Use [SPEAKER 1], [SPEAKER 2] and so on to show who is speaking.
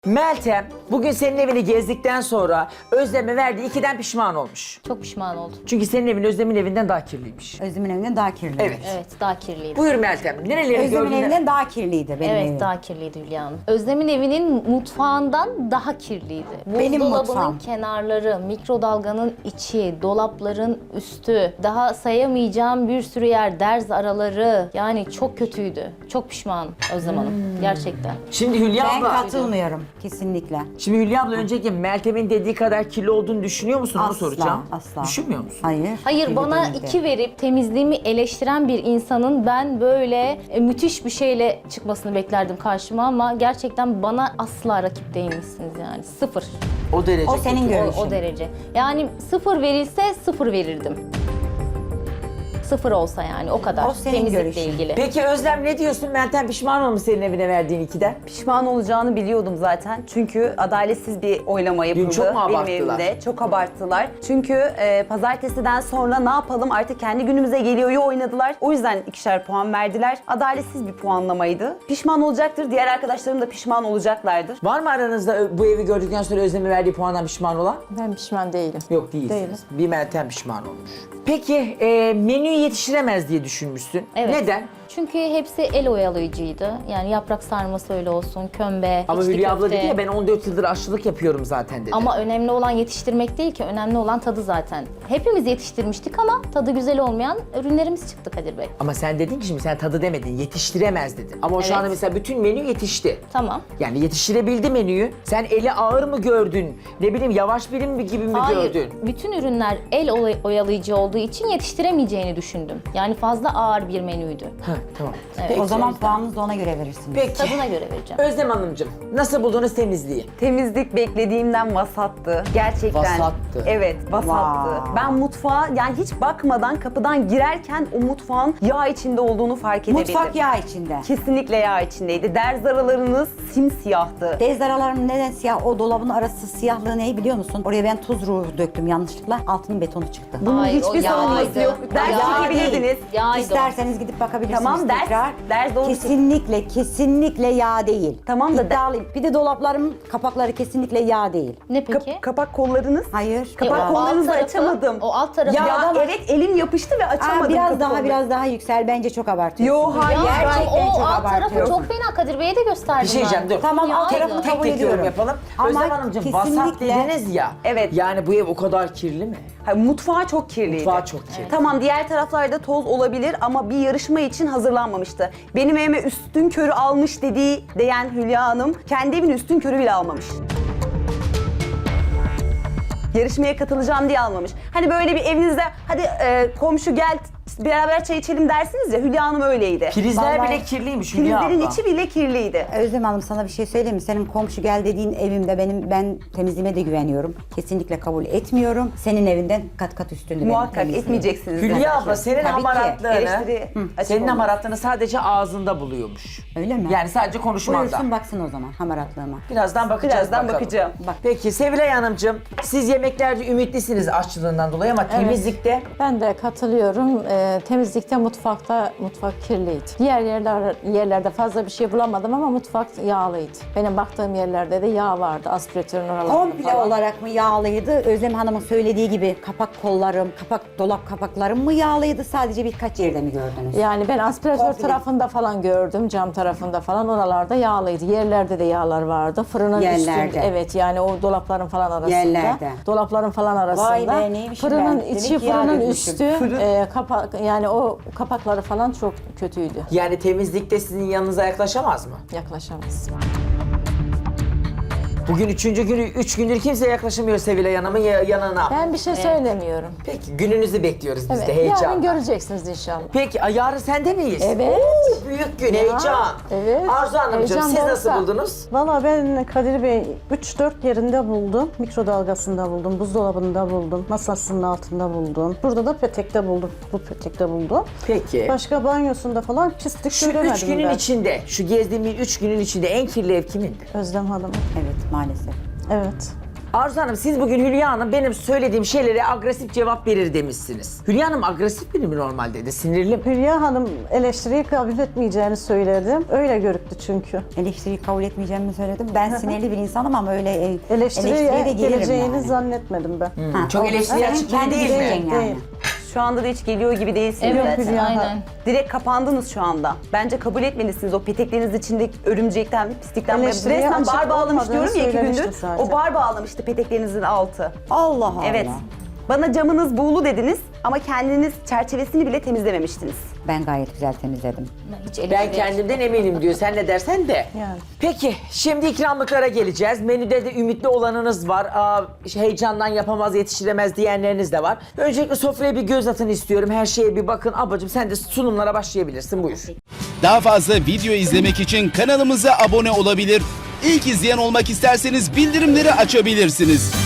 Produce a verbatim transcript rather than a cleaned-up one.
[SPEAKER 1] Meltem bugün senin evini gezdikten sonra Özlem'e verdiği ikiden pişman olmuş.
[SPEAKER 2] Çok pişman oldum.
[SPEAKER 1] Çünkü senin evin Özlem'in evinden daha kirliymiş.
[SPEAKER 3] Özlem'in evinden daha kirli.
[SPEAKER 1] Evet.
[SPEAKER 2] Evet, daha kirliydi.
[SPEAKER 1] Buyur Meltem. Nereleri
[SPEAKER 3] Özlem'in
[SPEAKER 1] gördün?
[SPEAKER 3] evinden daha kirliydi benim
[SPEAKER 2] Evet,
[SPEAKER 3] evim.
[SPEAKER 2] daha kirliydi Hülya Hanım. Özlem'in evinin mutfağından daha kirliydi.
[SPEAKER 3] Benim
[SPEAKER 2] Buzdolabının
[SPEAKER 3] mutfağım.
[SPEAKER 2] kenarları, mikrodalganın içi, dolapların üstü, daha sayamayacağım bir sürü yer, derz araları. Yani çok kötüydü. Çok pişmanım Özlem Hanım. Gerçekten.
[SPEAKER 1] Şimdi Hülya
[SPEAKER 3] Ben
[SPEAKER 1] abla.
[SPEAKER 3] katılmıyorum kesinlikle.
[SPEAKER 1] Şimdi Hülya abla önceki Meltem'in dediği kadar kirli olduğunu düşünüyor musun? Onu
[SPEAKER 3] Asla,
[SPEAKER 1] soracağım.
[SPEAKER 3] asla.
[SPEAKER 1] Düşünmüyor musun?
[SPEAKER 3] Hayır.
[SPEAKER 2] Hayır,
[SPEAKER 3] kirli
[SPEAKER 2] bana
[SPEAKER 3] değildi.
[SPEAKER 2] iki verip temizliğimi eleştiren bir insanın ben böyle e, müthiş bir şeyle çıkmasını beklerdim karşıma ama gerçekten bana asla rakip değilmişsiniz yani. Sıfır.
[SPEAKER 1] O derece.
[SPEAKER 3] O senin
[SPEAKER 1] kötü.
[SPEAKER 2] O,
[SPEAKER 3] görüşün.
[SPEAKER 2] o derece. Yani sıfır verilse sıfır verirdim. Sıfır olsa yani o kadar.
[SPEAKER 3] O senin
[SPEAKER 2] Temizlikle
[SPEAKER 3] görüşün.
[SPEAKER 2] ilgili.
[SPEAKER 1] Peki Özlem ne diyorsun? Meltem pişman olmuş senin evine verdiğin ikiden.
[SPEAKER 4] Pişman olacağını biliyordum zaten. Çünkü adaletsiz bir oylama yapıldı
[SPEAKER 1] çok mu
[SPEAKER 4] benim
[SPEAKER 1] abarttılar?
[SPEAKER 4] evimde. Çok abarttılar. Çünkü e, pazartesiden sonra ne yapalım artık kendi günümüze geliyor oynadılar. O yüzden ikişer puan verdiler. Adaletsiz bir puanlamaydı. Pişman olacaktır. Diğer arkadaşlarım da pişman olacaklardır.
[SPEAKER 1] Var mı aranızda bu evi gördükten sonra Özlem'e verdiği puandan pişman olan?
[SPEAKER 5] Ben pişman değilim.
[SPEAKER 1] Yok değilsiniz.
[SPEAKER 5] Değilim.
[SPEAKER 1] Bir Meltem pişman olmuş. Peki e, menüyü yetiştiremez diye düşünmüşsün.
[SPEAKER 2] Evet.
[SPEAKER 1] Neden?
[SPEAKER 2] Çünkü hepsi el oyalayıcıydı. Yani yaprak sarması öyle olsun, kömbe,
[SPEAKER 1] Ama
[SPEAKER 2] içli
[SPEAKER 1] Hülya abla
[SPEAKER 2] köfte.
[SPEAKER 1] dedi ya ben on dört yıldır aşçılık yapıyorum zaten dedi.
[SPEAKER 2] Ama önemli olan yetiştirmek değil ki, önemli olan tadı zaten. Hepimiz yetiştirmiştik ama tadı güzel olmayan ürünlerimiz çıktı Kadir Bey.
[SPEAKER 1] Ama sen dedin ki şimdi sen tadı demedin, yetiştiremez dedin. Ama o şu
[SPEAKER 2] Evet.
[SPEAKER 1] anda mesela bütün menü yetişti.
[SPEAKER 2] Tamam.
[SPEAKER 1] Yani yetiştirebildi menüyü. Sen eli ağır mı gördün? Ne bileyim yavaş birim mi gibi mi
[SPEAKER 2] Hayır,
[SPEAKER 1] gördün?
[SPEAKER 2] bütün ürünler el olay- oyalayıcı olduğu için yetiştiremeyeceğini düşündüm. Yani fazla ağır bir menüydü.
[SPEAKER 1] Ha tamam.
[SPEAKER 2] Evet.
[SPEAKER 1] Peki.
[SPEAKER 3] O zaman puanınızı da ona göre verirsiniz.
[SPEAKER 1] Peki.
[SPEAKER 2] Tadına göre vereceğim.
[SPEAKER 1] Özlem Hanımcığım nasıl buldunuz temizliği?
[SPEAKER 4] Temizlik beklediğimden vasattı. Gerçekten.
[SPEAKER 1] Vasattı.
[SPEAKER 4] Evet, vasattı.
[SPEAKER 3] Vay.
[SPEAKER 4] Ben mutfağa yani hiç bakmadan kapıdan girerken o mutfağın yağ içinde olduğunu fark edebildim.
[SPEAKER 3] Mutfak yağ içinde.
[SPEAKER 4] Kesinlikle yağ içindeydi. Derz aralarınız simsiyahtı.
[SPEAKER 3] Dez aralarım neden siyah? O dolabın arası siyahlığı ne biliyor musun? Oraya ben tuz ruhu döktüm yanlışlıkla. Altının betonu çıktı.
[SPEAKER 4] Bunun
[SPEAKER 2] Hayır,
[SPEAKER 4] hiçbir
[SPEAKER 2] o
[SPEAKER 4] savunması
[SPEAKER 2] yağydı.
[SPEAKER 4] yok. Ders
[SPEAKER 2] Yağ
[SPEAKER 4] çekebilirdiniz.
[SPEAKER 2] Yağydı o.
[SPEAKER 3] İsterseniz gidip bakabilirsiniz
[SPEAKER 4] Tamam, ders-
[SPEAKER 3] tekrar.
[SPEAKER 4] ders doğru
[SPEAKER 3] Kesinlikle, kesinlikle yağ değil.
[SPEAKER 4] Tamam da-
[SPEAKER 3] İddialıyım. Bir de dolaplarımın kapakları kesinlikle yağ değil.
[SPEAKER 2] Ne
[SPEAKER 4] Kap-
[SPEAKER 2] peki?
[SPEAKER 4] kapak kollarınız.
[SPEAKER 3] Hayır.
[SPEAKER 2] E,
[SPEAKER 4] Kapak
[SPEAKER 2] o alt
[SPEAKER 4] kollarınızı
[SPEAKER 2] tarafı-
[SPEAKER 4] açamadım.
[SPEAKER 2] O alt tarafı
[SPEAKER 4] Ya
[SPEAKER 3] Yağdan-
[SPEAKER 4] evet elim yapıştı ve
[SPEAKER 3] Aa,
[SPEAKER 4] açamadım.
[SPEAKER 3] biraz
[SPEAKER 4] kapı
[SPEAKER 3] daha
[SPEAKER 4] kolları.
[SPEAKER 3] biraz daha yüksel. Bence çok abartıyorsun.
[SPEAKER 4] Yo, hayır.
[SPEAKER 2] Ya,
[SPEAKER 3] Gerçekten
[SPEAKER 2] o
[SPEAKER 3] çok
[SPEAKER 2] alt tarafı
[SPEAKER 3] abartıyorsun.
[SPEAKER 2] çok fena, Kadir Bey'e de gösterdim
[SPEAKER 1] Bir şey diyeceğim
[SPEAKER 2] ben.
[SPEAKER 1] dur.
[SPEAKER 3] Tamam,
[SPEAKER 2] Yağydı.
[SPEAKER 3] alt tarafını
[SPEAKER 1] Tek
[SPEAKER 3] kabul
[SPEAKER 1] tek yorum
[SPEAKER 3] ediyorum.
[SPEAKER 1] yapalım.
[SPEAKER 3] Ama
[SPEAKER 1] Özlem Hanımcığım vasat
[SPEAKER 3] kesinlikle-
[SPEAKER 1] dediniz ya.
[SPEAKER 4] Evet.
[SPEAKER 1] Yani bu ev o kadar kirli mi?
[SPEAKER 4] Hayır, mutfağı çok kirliydi.
[SPEAKER 1] Mutfağı çok kirli.
[SPEAKER 4] Tamam, diğer taraflarda toz olabilir ama bir yarışma için hazırlanmamıştı. Benim evime üstün körü almış dediği diyen Hülya Hanım kendi evini üstün körü bile almamış. Yarışmaya katılacağım diye almamış. Hani böyle bir evinizde hadi e, komşu gel beraber çay içelim dersiniz ya, Hülya Hanım öyleydi.
[SPEAKER 1] Prizler
[SPEAKER 3] Vallahi-
[SPEAKER 1] bile kirliymiş Hülya
[SPEAKER 4] Filizlerin
[SPEAKER 1] abla.
[SPEAKER 4] içi bile kirliydi.
[SPEAKER 3] Özlem Hanım, sana bir şey söyleyeyim mi? Senin komşu gel dediğin evimde benim ben temizliğime de güveniyorum. Kesinlikle kabul etmiyorum. Senin evinden kat kat üstünde benim
[SPEAKER 4] Muhakkak
[SPEAKER 3] temizliğim.
[SPEAKER 4] etmeyeceksiniz.
[SPEAKER 1] Hülya
[SPEAKER 4] zaten.
[SPEAKER 1] abla senin
[SPEAKER 3] Tabii ki.
[SPEAKER 1] hamaratlığını,
[SPEAKER 4] Eleştiri açık
[SPEAKER 1] senin
[SPEAKER 4] olmaz.
[SPEAKER 1] hamaratlığını sadece ağzında buluyormuş.
[SPEAKER 3] Öyle mi?
[SPEAKER 1] Yani sadece konuşmanda.
[SPEAKER 3] Buyursun baksın o zaman hamaratlığıma.
[SPEAKER 1] Birazdan bakacağız
[SPEAKER 4] Birazdan
[SPEAKER 1] bakalım.
[SPEAKER 4] bakacağım.
[SPEAKER 3] Bak.
[SPEAKER 1] Peki Sevilay Hanımcığım, siz yemeklerde ümitlisiniz aşçılığından dolayı ama temizlikte
[SPEAKER 5] Ben de katılıyorum. Ee, temizlikte, mutfakta mutfak kirliydi. Diğer yerler, yerlerde fazla bir şey bulamadım ama mutfak yağlıydı. Benim baktığım yerlerde de yağ vardı. Aspiratörün oralarında
[SPEAKER 3] Komple
[SPEAKER 5] falan.
[SPEAKER 3] olarak mı yağlıydı? Özlem Hanım'ın söylediği gibi kapak kollarım, kapak dolap kapaklarım mı yağlıydı? Sadece birkaç yerde mi gördünüz?
[SPEAKER 5] Yani ben aspiratör
[SPEAKER 3] Komple.
[SPEAKER 5] tarafında falan gördüm, cam tarafında falan. Oralarda yağlıydı. Yerlerde de yağlar vardı. Fırının
[SPEAKER 3] Yerlerde.
[SPEAKER 5] üstünde. Evet, yani o dolapların falan arasında.
[SPEAKER 3] Yerlerde.
[SPEAKER 5] Dolapların falan arasında.
[SPEAKER 3] Vay be, neymişim
[SPEAKER 5] Fırının
[SPEAKER 3] ben? Demek
[SPEAKER 5] içi,
[SPEAKER 3] ki yağ
[SPEAKER 5] fırının
[SPEAKER 3] dökmüşüm.
[SPEAKER 5] üstü, e, kapak yani o kapakları falan çok kötüydü.
[SPEAKER 1] yani temizlikte sizin yanınıza yaklaşamaz mı?
[SPEAKER 5] Yaklaşamaz.
[SPEAKER 1] Bugün üçüncü günü, üç gündür kimse yaklaşamıyor Sevilay Hanım'ın ya- yanına.
[SPEAKER 5] Ben bir şey söylemiyorum.
[SPEAKER 1] Peki gününüzü bekliyoruz biz
[SPEAKER 5] Evet,
[SPEAKER 1] de
[SPEAKER 5] yarın
[SPEAKER 1] heyecanla.
[SPEAKER 5] göreceksiniz inşallah.
[SPEAKER 1] Peki ay, yarın sende miyiz?
[SPEAKER 5] Evet.
[SPEAKER 1] Oo, büyük gün, heyecan.
[SPEAKER 5] evet.
[SPEAKER 1] Arzu Hanımcığım
[SPEAKER 5] Heyecan
[SPEAKER 1] siz nasıl
[SPEAKER 5] doğrusu.
[SPEAKER 1] buldunuz?
[SPEAKER 6] Valla ben Kadir Bey üç dört yerinde buldum. Mikrodalgasında buldum, buzdolabında buldum, masasının altında buldum. Burada da petekte buldum, bu petekte buldum.
[SPEAKER 1] Peki.
[SPEAKER 6] Başka banyosunda falan pislik
[SPEAKER 1] Şu
[SPEAKER 6] göremedim
[SPEAKER 1] üç günün
[SPEAKER 6] ben.
[SPEAKER 1] içinde, şu gezdiğimiz üç günün içinde en kirli ev kimindi?
[SPEAKER 6] Özlem Hanım.
[SPEAKER 3] Evet, maalesef.
[SPEAKER 6] Evet.
[SPEAKER 1] Arzu Hanım siz bugün Hülya Hanım benim söylediğim şeylere agresif cevap verir demişsiniz. Hülya Hanım agresif biri mi normalde de sinirli mi?
[SPEAKER 6] Hülya Hanım eleştiriyi kabul etmeyeceğini söyledim. Öyle görüktü çünkü.
[SPEAKER 3] Eleştiriyi kabul etmeyeceğimi söyledim. Ben sinirli bir insanım ama öyle e,
[SPEAKER 6] Eleştiriye
[SPEAKER 3] eleştiriye de gelirim
[SPEAKER 6] geleceğini
[SPEAKER 3] yani.
[SPEAKER 6] zannetmedim ben.
[SPEAKER 3] Ha,
[SPEAKER 1] Çok
[SPEAKER 3] o-
[SPEAKER 1] eleştiri
[SPEAKER 3] senin
[SPEAKER 1] açık
[SPEAKER 3] kendi
[SPEAKER 1] değil mi?
[SPEAKER 3] düşüncen yani.
[SPEAKER 6] Değil.
[SPEAKER 4] Şu anda da hiç geliyor gibi değilsiniz
[SPEAKER 2] Evet,
[SPEAKER 4] zaten.
[SPEAKER 6] Hülya.
[SPEAKER 2] aynen.
[SPEAKER 4] Direkt kapandınız şu anda. Bence kabul etmelisiniz o petekleriniz içindeki örümcekten, pislikten.
[SPEAKER 6] Eleştiriye
[SPEAKER 4] Resmen
[SPEAKER 6] açık
[SPEAKER 4] bar bağlamış
[SPEAKER 6] olmadığını
[SPEAKER 4] diyorum ya iki
[SPEAKER 6] söylemişti
[SPEAKER 4] gündür.
[SPEAKER 6] zaten.
[SPEAKER 4] O bar bağlamıştı peteklerinizin altı.
[SPEAKER 3] Allah Allah.
[SPEAKER 4] Evet. Bana camınız buğulu dediniz ama kendiniz çerçevesini bile temizlememiştiniz.
[SPEAKER 3] Ben gayet güzel temizledim.
[SPEAKER 2] Hiç
[SPEAKER 1] Ben
[SPEAKER 2] eleştiri-
[SPEAKER 1] kendimden eminim diyor. Sen ne dersen de.
[SPEAKER 6] Yani.
[SPEAKER 1] Peki şimdi ikramlıklara geleceğiz. Menüde de ümitli olanınız var. Aa, heyecandan yapamaz yetiştiremez diyenleriniz de var. Öncelikle sofraya bir göz atın istiyorum. Her şeye bir bakın. Ablacığım sen de sunumlara başlayabilirsin. Buyur.
[SPEAKER 7] Daha fazla video izlemek için kanalımıza abone olabilir. İlk izleyen olmak isterseniz bildirimleri açabilirsiniz.